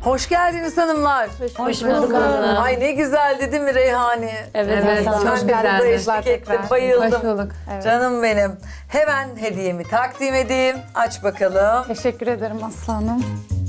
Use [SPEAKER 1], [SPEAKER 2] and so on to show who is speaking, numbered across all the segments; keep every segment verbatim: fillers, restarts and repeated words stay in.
[SPEAKER 1] Hoş geldiniz hanımlar.
[SPEAKER 2] Hoş bulduk hanım.
[SPEAKER 1] Ay ne güzeldi değil mi Reyhani?
[SPEAKER 2] Evet,
[SPEAKER 3] Evet,
[SPEAKER 2] çok
[SPEAKER 3] çok
[SPEAKER 1] Ben de burada
[SPEAKER 3] güzeldi.
[SPEAKER 1] eşlik ettim, bayıldım.
[SPEAKER 3] Hoş bulduk.
[SPEAKER 1] Canım benim. Hemen hediyemi takdim edeyim. Aç bakalım.
[SPEAKER 4] Teşekkür ederim aslanım.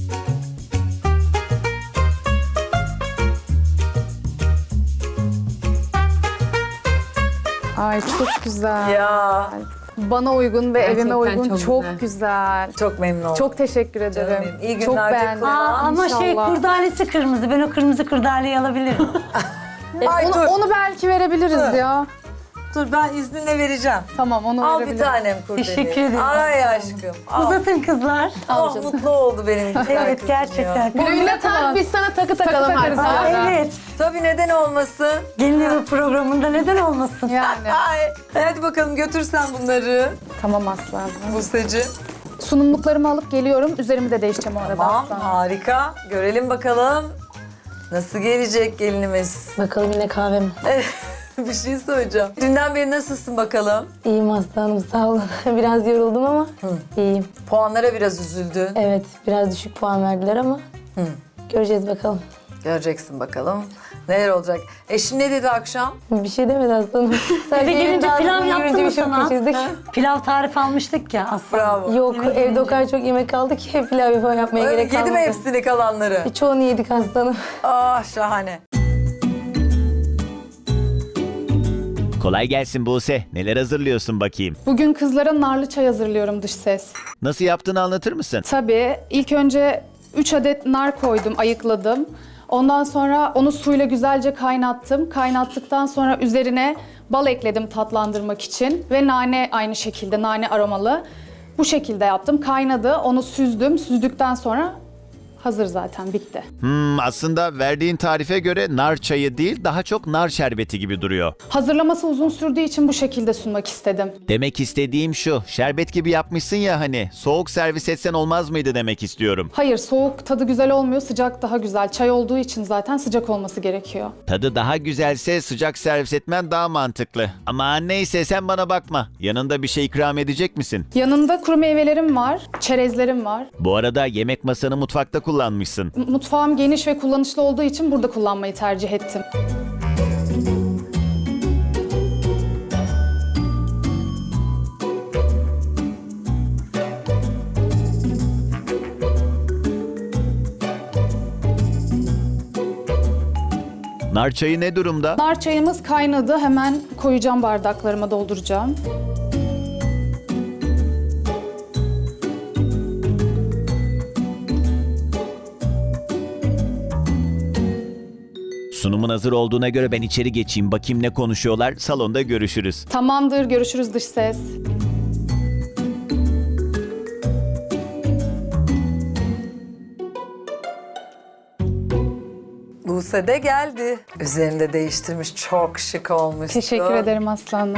[SPEAKER 4] Ay çok güzel.
[SPEAKER 1] Ya
[SPEAKER 4] Bana uygun ve
[SPEAKER 3] Gerçekten
[SPEAKER 4] evime uygun.
[SPEAKER 3] çok
[SPEAKER 4] Çok,
[SPEAKER 3] güzel.
[SPEAKER 4] güzel.
[SPEAKER 1] çok memnun oldum.
[SPEAKER 4] Çok teşekkür ederim.
[SPEAKER 1] benim. İyi
[SPEAKER 4] çok
[SPEAKER 1] günler
[SPEAKER 4] beğendim.
[SPEAKER 1] diliyorum.
[SPEAKER 2] Aa, ama şey
[SPEAKER 4] İnşallah.
[SPEAKER 2] kurdalesi kırmızı. Ben o kırmızı kurdaleyi alabilirim.
[SPEAKER 1] Ay
[SPEAKER 4] Onu,
[SPEAKER 1] dur,
[SPEAKER 4] onu belki verebiliriz
[SPEAKER 1] Dur.
[SPEAKER 4] ya.
[SPEAKER 1] dur ben izninle vereceğim.
[SPEAKER 4] Tamam onu
[SPEAKER 1] Al bir
[SPEAKER 4] verebiliriz.
[SPEAKER 1] tanem kurdele.
[SPEAKER 2] Teşekkür ederim.
[SPEAKER 1] Ay aşkım. Al.
[SPEAKER 2] Uzatın kızlar.
[SPEAKER 1] Oh, mutlu oldu benim güzel
[SPEAKER 2] Evet
[SPEAKER 1] kızım
[SPEAKER 2] gerçekten.
[SPEAKER 1] ya.
[SPEAKER 3] Güle tak biz sana takı takalım
[SPEAKER 4] takarız
[SPEAKER 3] artık.
[SPEAKER 4] ya.
[SPEAKER 2] Aa, evet.
[SPEAKER 1] Tabii neden olmasın?
[SPEAKER 2] Gelin evi programında neden olmasın?
[SPEAKER 4] Yani.
[SPEAKER 1] Ay, hadi bakalım götürsen bunları
[SPEAKER 4] Tamam aslanım.
[SPEAKER 1] Buse'cim.
[SPEAKER 4] Sunumluklarımı alıp geliyorum. Üzerimi de değişeceğim o arada
[SPEAKER 1] Tamam,
[SPEAKER 4] aslanım.
[SPEAKER 1] harika. Görelim bakalım nasıl gelecek gelinimiz.
[SPEAKER 5] Bakalım yine kahve mi?
[SPEAKER 1] Bir şey söyleyeceğim. Dünden beri nasılsın bakalım?
[SPEAKER 5] İyiyim Aslı Hanım, sağ olun. Biraz yoruldum ama iyiyim.
[SPEAKER 1] Puanlara biraz üzüldün.
[SPEAKER 5] Evet, biraz düşük puan verdiler ama göreceğiz bakalım.
[SPEAKER 1] Göreceksin bakalım. Neler olacak? Eşin ne dedi akşam?
[SPEAKER 5] Bir şey demedi Aslı Hanım. Sadece
[SPEAKER 2] Eve gelince
[SPEAKER 5] evin
[SPEAKER 2] pilav
[SPEAKER 5] dağılımını
[SPEAKER 2] yaptı
[SPEAKER 5] görünce
[SPEAKER 2] mı
[SPEAKER 5] bir şok
[SPEAKER 2] sana?
[SPEAKER 5] geçirdik.
[SPEAKER 2] Pilav tarifi almıştık ya aslında.
[SPEAKER 1] Bravo.
[SPEAKER 5] Yok,
[SPEAKER 2] Eve
[SPEAKER 5] evde
[SPEAKER 2] gelince.
[SPEAKER 5] o kadar çok yemek kaldı ki pilav yapıp yapmaya
[SPEAKER 1] Öyle
[SPEAKER 5] gerek
[SPEAKER 1] yedi
[SPEAKER 5] kalmadı.
[SPEAKER 1] mi hepsini kalanları?
[SPEAKER 5] E, Çoğunu yedik Aslı Hanım.
[SPEAKER 1] Ah şahane.
[SPEAKER 6] Kolay gelsin Buse. Neler hazırlıyorsun bakayım?
[SPEAKER 4] Bugün kızlara narlı çay hazırlıyorum dış ses.
[SPEAKER 6] Nasıl yaptığını anlatır mısın?
[SPEAKER 4] Tabii. İlk önce üç adet nar koydum, ayıkladım. Ondan sonra onu suyla güzelce kaynattım. Kaynattıktan sonra üzerine bal ekledim tatlandırmak için. Ve nane aynı şekilde, nane aromalı. Bu şekilde yaptım. Kaynadı, onu süzdüm. Süzdükten sonra hazır zaten, bitti.
[SPEAKER 6] Hmm, aslında verdiğin tarife göre nar çayı değil, daha çok nar şerbeti gibi duruyor.
[SPEAKER 4] Hazırlaması uzun sürdüğü için bu şekilde sunmak istedim.
[SPEAKER 6] Demek istediğim şu, şerbet gibi yapmışsın ya hani, soğuk servis etsen olmaz mıydı demek istiyorum.
[SPEAKER 4] Hayır, soğuk tadı güzel olmuyor, sıcak daha güzel. Çay olduğu için zaten sıcak olması gerekiyor.
[SPEAKER 6] Tadı daha güzelse sıcak servis etmen daha mantıklı. Ama neyse sen bana bakma. Yanında bir şey ikram edecek misin?
[SPEAKER 4] Yanında kuru meyvelerim var, çerezlerim var.
[SPEAKER 6] Bu arada yemek masanı mutfakta kullanmışsın.
[SPEAKER 4] Mutfağım geniş ve kullanışlı olduğu için burada kullanmayı tercih ettim.
[SPEAKER 6] Nar çayı ne durumda?
[SPEAKER 4] Nar çayımız kaynadı. Hemen koyacağım, bardaklarıma dolduracağım.
[SPEAKER 6] Sunumun hazır olduğuna göre ben içeri geçeyim, bakayım ne konuşuyorlar. Salonda görüşürüz.
[SPEAKER 4] Tamamdır, görüşürüz dış ses.
[SPEAKER 1] Buse de geldi. Üzerinde değiştirmiş. Çok şık olmuş.
[SPEAKER 4] Teşekkür ederim aslanım.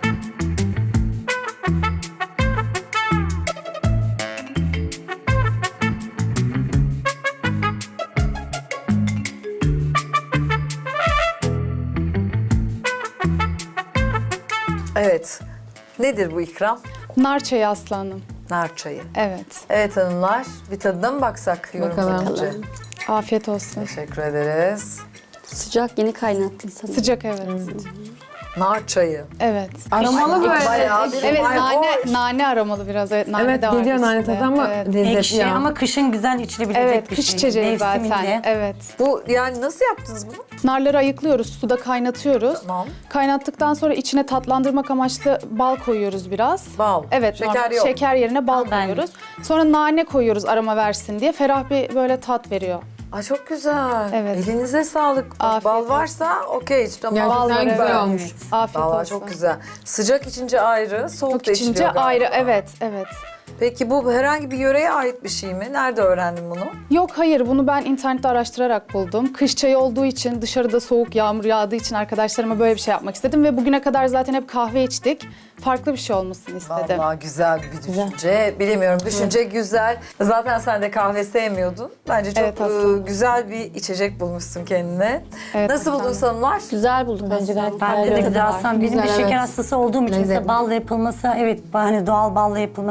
[SPEAKER 1] Evet. Nedir bu ikram?
[SPEAKER 4] Nar çayı aslanım.
[SPEAKER 1] Nar çayı.
[SPEAKER 4] Evet.
[SPEAKER 1] Evet hanımlar, bir tadına mı baksak?
[SPEAKER 3] Bakalım.
[SPEAKER 1] Önce.
[SPEAKER 4] Afiyet olsun.
[SPEAKER 1] Teşekkür ederiz.
[SPEAKER 7] Sıcak yeni kaynattın sanırım.
[SPEAKER 4] Sıcak, evet.
[SPEAKER 1] Nar çayı.
[SPEAKER 4] Evet.
[SPEAKER 3] Aromalı böyle.
[SPEAKER 1] Bayağı bir
[SPEAKER 4] Evet,
[SPEAKER 1] Ay,
[SPEAKER 4] nane
[SPEAKER 1] hoş.
[SPEAKER 4] nane aromalı biraz. Evet, nane
[SPEAKER 3] Evet
[SPEAKER 4] de var
[SPEAKER 3] geliyor nane
[SPEAKER 4] içinde.
[SPEAKER 3] tadı ama
[SPEAKER 4] Evet.
[SPEAKER 3] lezzetli
[SPEAKER 2] Ekşi
[SPEAKER 3] ya.
[SPEAKER 2] ama kışın güzel içilebilecek
[SPEAKER 4] Evet,
[SPEAKER 2] bir
[SPEAKER 4] kış
[SPEAKER 2] şey.
[SPEAKER 4] içeceği zaten.
[SPEAKER 2] Mevsiminde.
[SPEAKER 4] Evet.
[SPEAKER 1] Bu yani nasıl yaptınız bunu?
[SPEAKER 4] Narları ayıklıyoruz, suda kaynatıyoruz.
[SPEAKER 1] Tamam.
[SPEAKER 4] Kaynattıktan sonra içine tatlandırmak amaçlı bal koyuyoruz biraz.
[SPEAKER 1] Bal.
[SPEAKER 4] Evet,
[SPEAKER 1] Şeker
[SPEAKER 4] normal.
[SPEAKER 1] yok.
[SPEAKER 4] Şeker yerine bal
[SPEAKER 2] Aa, ben-
[SPEAKER 4] koyuyoruz. Sonra nane koyuyoruz aroma versin diye. Ferah bir böyle tat veriyor.
[SPEAKER 1] Ay çok güzel.
[SPEAKER 4] Evet.
[SPEAKER 1] Elinize sağlık. Bak,
[SPEAKER 4] Afiyet
[SPEAKER 1] bal
[SPEAKER 4] olsun.
[SPEAKER 1] varsa okey. Tamam.
[SPEAKER 3] Gerçekten
[SPEAKER 4] Bal var,
[SPEAKER 3] güzel
[SPEAKER 4] evet.
[SPEAKER 3] olmuş.
[SPEAKER 4] Afiyet
[SPEAKER 1] Vallahi
[SPEAKER 4] olsun.
[SPEAKER 1] çok güzel. Sıcak içince ayrı, soğuk
[SPEAKER 4] Çok
[SPEAKER 1] da
[SPEAKER 4] içince
[SPEAKER 1] içiliyor galiba.
[SPEAKER 4] ayrı, evet, evet.
[SPEAKER 1] Peki bu herhangi bir yöreye ait bir şey mi? Nerede öğrendin bunu?
[SPEAKER 4] Yok, hayır, bunu ben internette araştırarak buldum. Kış çayı olduğu için, dışarıda soğuk yağmur yağdığı için arkadaşlarıma böyle bir şey yapmak istedim. Ve bugüne kadar zaten hep kahve içtik. Farklı bir şey olmasını istedim.
[SPEAKER 1] Vallahi güzel bir düşünce. Bilemiyorum, düşünce güzel. Zaten sen de kahve sevmiyordun. Bence çok
[SPEAKER 4] Evet, aslında.
[SPEAKER 1] e, güzel bir içecek bulmuşsun kendine.
[SPEAKER 4] Evet,
[SPEAKER 1] Nasıl buldun
[SPEAKER 4] aslında.
[SPEAKER 1] hanımlar?
[SPEAKER 7] Güzel buldum
[SPEAKER 5] Bence gayet
[SPEAKER 2] Bende de
[SPEAKER 5] güzel.
[SPEAKER 2] güzel aslında. Benim
[SPEAKER 3] Güzel,
[SPEAKER 2] bir şeker
[SPEAKER 3] evet.
[SPEAKER 2] hastası olduğum için
[SPEAKER 3] Lezzetli.
[SPEAKER 2] mesela balla yapılması, evet hani doğal balla yapılması gerçekten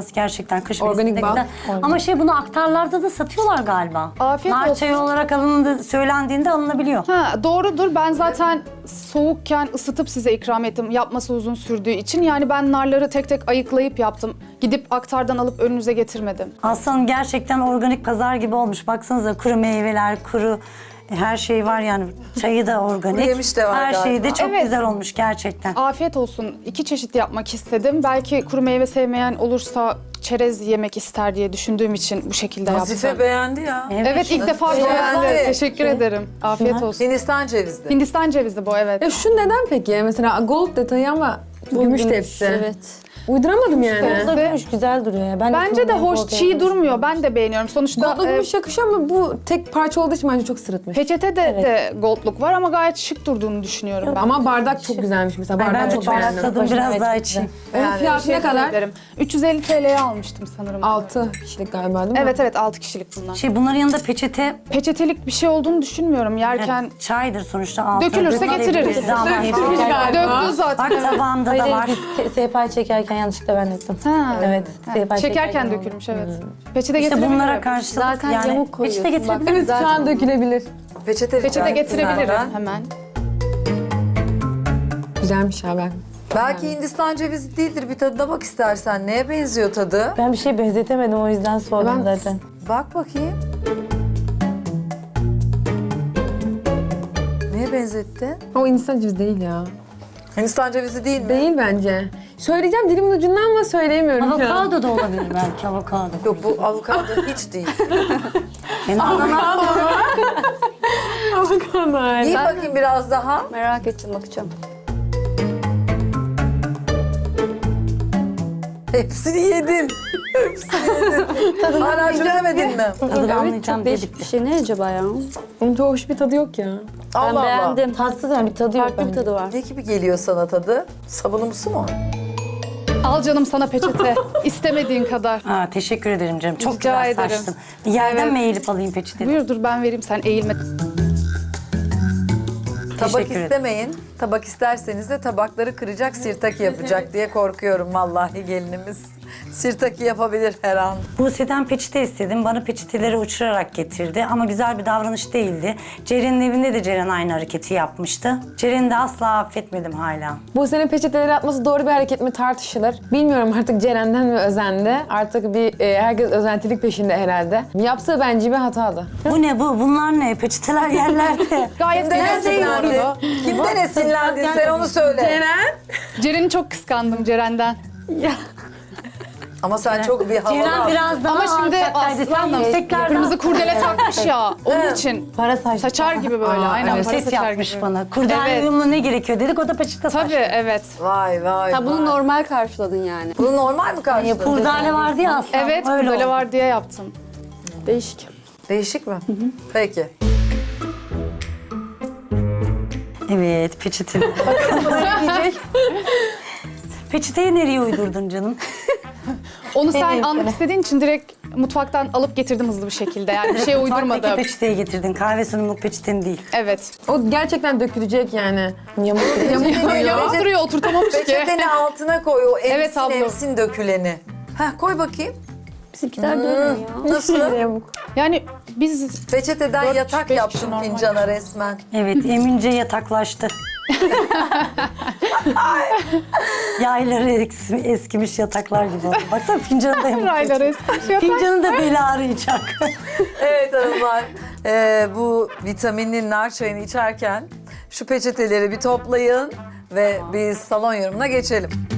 [SPEAKER 2] gerçekten kış
[SPEAKER 3] Organik
[SPEAKER 2] mevsiminde
[SPEAKER 3] bal.
[SPEAKER 2] güzel. Ama şey bunu aktarlarda da satıyorlar galiba.
[SPEAKER 4] Afiyet
[SPEAKER 2] Nar
[SPEAKER 4] olsun.
[SPEAKER 2] çayı olarak alındı, söylendiğinde alınabiliyor.
[SPEAKER 4] Ha, doğrudur. Ben zaten soğukken ısıtıp size ikram ettim. Yapması uzun sürdüğü için. Yani ben narları tek tek ayıklayıp yaptım. Gidip aktardan alıp önünüze getirmedim.
[SPEAKER 2] Aslanım gerçekten organik pazar gibi olmuş. Baksanıza kuru meyveler, kuru her şey var yani. Çayı da organik.
[SPEAKER 1] Kuru yemiş de var
[SPEAKER 2] Her şey de
[SPEAKER 1] galiba.
[SPEAKER 2] çok
[SPEAKER 4] Evet.
[SPEAKER 2] güzel olmuş gerçekten.
[SPEAKER 4] Afiyet olsun. İki çeşit yapmak istedim. Belki kuru meyve sevmeyen olursa çerez yemek ister diye düşündüğüm için bu şekilde
[SPEAKER 1] Nazife
[SPEAKER 4] yaptım.
[SPEAKER 1] beğendi ya.
[SPEAKER 4] Evet ilk defa
[SPEAKER 1] Beğendi.
[SPEAKER 4] beğendim. Teşekkür ederim. Afiyet olsun.
[SPEAKER 1] Hindistan cevizi.
[SPEAKER 4] Hindistan cevizi bu evet.
[SPEAKER 3] Ya şu neden peki? Mesela gold detayı ama gümüş tepsi.
[SPEAKER 7] Evet.
[SPEAKER 3] Uyduramadım yani.
[SPEAKER 5] Bu da gümüş güzel duruyor ya. Ben
[SPEAKER 4] Bence de hoş, çiğ durmuyor. Ben de beğeniyorum. Sonuçta
[SPEAKER 3] Gold'la
[SPEAKER 4] e,
[SPEAKER 3] gümüş yakışıyor ama bu tek parça olduğu için bence çok sırıtmış.
[SPEAKER 4] peçete de, de goldluk var ama gayet şık durduğunu düşünüyorum ben.
[SPEAKER 3] Ama bardak çok güzelmiş mesela.
[SPEAKER 2] Ay,
[SPEAKER 3] Bardağı
[SPEAKER 2] ben de
[SPEAKER 3] çok
[SPEAKER 2] çok
[SPEAKER 3] beğendim.
[SPEAKER 2] tadım biraz daha içeyim.
[SPEAKER 3] Onun fiyatı ne
[SPEAKER 4] Teşekkür
[SPEAKER 3] kadar?
[SPEAKER 4] ederim. üç yüz elli T L'ye almıştım sanırım.
[SPEAKER 3] altı kişilik galiba değil mi?
[SPEAKER 4] Evet evet altı kişilik bunlar.
[SPEAKER 2] Şey bunların yanında peçete
[SPEAKER 4] Peçetelik bir şey olduğunu düşünmüyorum. Yerken
[SPEAKER 2] çaydır sonuçta. altı.
[SPEAKER 4] Dökülürse getiririz.
[SPEAKER 2] Dökülürse ama
[SPEAKER 3] Dökülmüş galiba.
[SPEAKER 4] döktü zaten.
[SPEAKER 2] Bak tabağımda da
[SPEAKER 5] Hayır,
[SPEAKER 2] var.
[SPEAKER 5] biz sehpayı çekerken yanlışlıkla ben ettim.
[SPEAKER 4] Ha.
[SPEAKER 5] Evet. sehpayı
[SPEAKER 4] Çekerken
[SPEAKER 5] oldu.
[SPEAKER 4] dökülmüş evet. Peçete
[SPEAKER 2] İşte
[SPEAKER 4] getirebilirim.
[SPEAKER 2] bunlara karşılık
[SPEAKER 7] Zaten
[SPEAKER 2] yani
[SPEAKER 7] yamuk koyuyorsun.
[SPEAKER 2] peçete getirebilir
[SPEAKER 3] Evet şu an dökülebilir.
[SPEAKER 1] Peçete,
[SPEAKER 4] Peçete
[SPEAKER 1] rica
[SPEAKER 4] getirebilirim
[SPEAKER 1] ettim
[SPEAKER 4] hemen.
[SPEAKER 3] Güzelmiş ha ben.
[SPEAKER 1] Belki Hindistan cevizi değildir. Bir tadına bak istersen. Neye benziyor tadı?
[SPEAKER 5] Ben bir şey benzetemedim o yüzden sordum
[SPEAKER 3] Ben-
[SPEAKER 5] zaten.
[SPEAKER 1] Bak bakayım. Neye benzetti?
[SPEAKER 3] O Hindistan cevizi değil ya.
[SPEAKER 1] Hindistan cevizi değil mi?
[SPEAKER 3] Değil bence. Söyleyeceğim dilimin ucundan ama söyleyemiyorum ya.
[SPEAKER 2] Avokado da olabilir belki avokado.
[SPEAKER 1] Yok bu avokado hiç değil.
[SPEAKER 2] Yani ananas
[SPEAKER 3] Avokado.
[SPEAKER 1] Yiyin bakayım biraz daha.
[SPEAKER 7] Merak ettim bakacağım.
[SPEAKER 1] Hepsini yedin. Hepsini yedin. Hala çözemedin mi?
[SPEAKER 2] tadını anlayacağım diye
[SPEAKER 7] Değişik bir
[SPEAKER 2] bitti.
[SPEAKER 7] şey ne acaba ya?
[SPEAKER 3] Onun çok hoş bir tadı yok ya.
[SPEAKER 1] Allah
[SPEAKER 7] Ben
[SPEAKER 1] Allah.
[SPEAKER 7] beğendim.
[SPEAKER 5] Tatsız yani bir tadı yok
[SPEAKER 7] Farklı bir
[SPEAKER 5] bence.
[SPEAKER 7] tadı var.
[SPEAKER 1] Ne gibi geliyor sana tadı? Sabunumsu mu?
[SPEAKER 4] Al canım sana peçete. İstemediğin kadar.
[SPEAKER 2] Aa, teşekkür ederim canım. Çok
[SPEAKER 4] Rica
[SPEAKER 2] güzel
[SPEAKER 4] ederim.
[SPEAKER 2] saçtın. Yerden
[SPEAKER 4] Evet.
[SPEAKER 2] mi eğilip alayım peçeteni?
[SPEAKER 4] Buyur dur ben vereyim sen eğilme.
[SPEAKER 1] Tabak
[SPEAKER 2] Teşekkür ederim.
[SPEAKER 1] istemeyin. Tabak isterseniz de tabakları kıracak, sirtaki yapacak diye korkuyorum vallahi gelinimiz. Sirtaki yapabilir her an.
[SPEAKER 2] Buse'den peçete istedim. Bana peçeteleri uçurarak getirdi. Ama güzel bir davranış değildi. Ceren'in evinde de Ceren aynı hareketi yapmıştı. Ceren'i de asla affetmedim hala.
[SPEAKER 3] Bu sene peçeteleri atması doğru bir hareket mi tartışılır. Bilmiyorum artık Ceren'den mi özendi. Artık bir e, herkes özentilik peşinde herhalde. Yaptığı bence bir hatadı.
[SPEAKER 2] Bu ne bu? Bunlar ne? Peçeteler yerlerde.
[SPEAKER 4] Gayet
[SPEAKER 1] Kimden
[SPEAKER 4] güzel
[SPEAKER 1] esinlendin?
[SPEAKER 4] duruyordu.
[SPEAKER 1] Kimden esinlendin sen onu söyle.
[SPEAKER 4] Ceren'i çok kıskandım Ceren'den.
[SPEAKER 1] Ama sen çok bir havalı.
[SPEAKER 2] Ceren biraz daha
[SPEAKER 4] Ama şimdi
[SPEAKER 2] alçaktaydı. Sen
[SPEAKER 4] aslanım
[SPEAKER 2] yükseklerden...
[SPEAKER 4] kırmızı kurdele takmış ya. Onun için
[SPEAKER 5] Para saçlı.
[SPEAKER 4] saçar gibi böyle.
[SPEAKER 2] Aa,
[SPEAKER 4] Aynen
[SPEAKER 2] evet,
[SPEAKER 4] para
[SPEAKER 2] ses
[SPEAKER 4] saçar
[SPEAKER 2] yapmış
[SPEAKER 4] gibi.
[SPEAKER 2] bana. Kurdele
[SPEAKER 4] Evet.
[SPEAKER 2] uyumlu ne gerekiyor dedik, o da peçete saçtı.
[SPEAKER 4] Tabii evet.
[SPEAKER 1] Vay vay
[SPEAKER 7] Ha bunu
[SPEAKER 1] vay.
[SPEAKER 7] normal karşıladın yani.
[SPEAKER 1] Bunu normal mi karşıladın?
[SPEAKER 2] Kurdele vardı ya aslında.
[SPEAKER 4] Evet
[SPEAKER 2] öyle
[SPEAKER 4] kurdele
[SPEAKER 2] oldu.
[SPEAKER 4] var diye yaptım.
[SPEAKER 7] Değişik.
[SPEAKER 1] Değişik mi? Peki.
[SPEAKER 2] Evet, peçete. Peçeteyi nereye uydurdun canım?
[SPEAKER 4] Onu sen almak istediğin için direkt mutfaktan alıp getirdim hızlı bir şekilde. Yani bir şey
[SPEAKER 2] Mutfaktaki
[SPEAKER 4] uydurmadım.
[SPEAKER 2] peçeteyi getirdin. Kahve sunumluk peçeten değil.
[SPEAKER 4] Evet.
[SPEAKER 3] O gerçekten dökülecek yani.
[SPEAKER 5] Yamuk.
[SPEAKER 1] Peçeteni,
[SPEAKER 4] Yamuk duruyor oturtamamış ki.
[SPEAKER 1] peçeteni altına koy o emsin
[SPEAKER 4] Evet abla.
[SPEAKER 1] emsin döküleni. Heh koy bakayım.
[SPEAKER 7] Bizimkiler de öyle ya.
[SPEAKER 1] Nasıl?
[SPEAKER 4] Yani biz
[SPEAKER 1] Peçeteden
[SPEAKER 4] Dört,
[SPEAKER 1] yatak
[SPEAKER 4] beş
[SPEAKER 1] yaptın
[SPEAKER 4] kişi normal.
[SPEAKER 1] fincana resmen.
[SPEAKER 2] Evet, emince yataklaştı. Yayları eski, eskimiş yataklar gibi oldu. Baksana fincanı da yamuk.
[SPEAKER 4] raylar eski şey yapar.
[SPEAKER 2] Fincanı da beli ağrıyacak.
[SPEAKER 1] Evet hanımlar, eee, bu vitaminli nar çayını içerken şu peçeteleri bir toplayın ve biz salon yorumuna geçelim.